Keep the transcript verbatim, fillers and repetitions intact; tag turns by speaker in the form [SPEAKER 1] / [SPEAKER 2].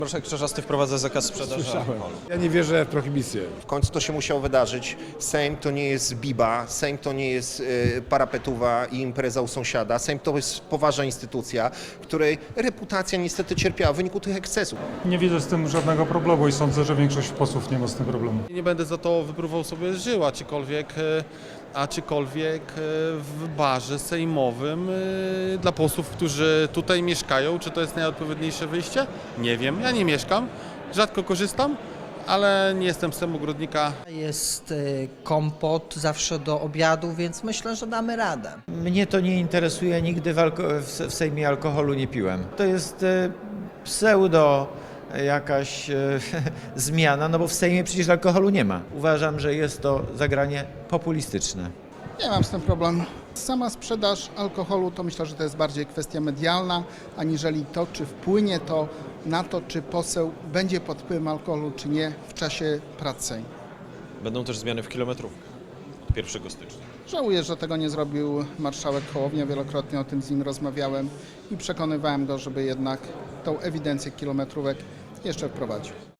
[SPEAKER 1] Marszałek Czarzasty wprowadza zakaz sprzedaży alkoholu.
[SPEAKER 2] Ja nie wierzę w prohibicję.
[SPEAKER 3] W końcu to się musiało wydarzyć. Sejm to nie jest biba, Sejm to nie jest y, parapetuwa i impreza u sąsiada. Sejm to jest poważna instytucja, której reputacja niestety cierpiała w wyniku tych ekscesów.
[SPEAKER 4] Nie widzę z tym żadnego problemu i sądzę, że większość posłów nie ma z tym problemu.
[SPEAKER 5] Nie będę za to wypróbował sobie żył, aczkolwiek, aczkolwiek w barze sejmowym dla posłów, którzy tutaj mieszkają, czy to jest najodpowiedniejsze wyjście? Nie wiem, ja nie mieszkam, rzadko korzystam, ale nie jestem z tym ogrodnika.
[SPEAKER 6] Jest kompot zawsze do obiadu, więc myślę, że damy radę.
[SPEAKER 7] Mnie to nie interesuje, nigdy w, alko- w Sejmie alkoholu nie piłem. To jest e, pseudo jakaś e, zmiana, no bo w Sejmie przecież alkoholu nie ma. Uważam, że jest to zagranie populistyczne.
[SPEAKER 8] Nie mam z tym problemu. Sama sprzedaż alkoholu to myślę, że to jest bardziej kwestia medialna, aniżeli to, czy wpłynie to na to, czy poseł będzie pod wpływem alkoholu, czy nie w czasie prac Sejmu.
[SPEAKER 1] Będą też zmiany w kilometrówkach od pierwszego stycznia.
[SPEAKER 8] Żałuję, że tego nie zrobił marszałek Hołownia. Wielokrotnie o tym z nim rozmawiałem i przekonywałem go, żeby jednak tą ewidencję kilometrówek jeszcze wprowadził.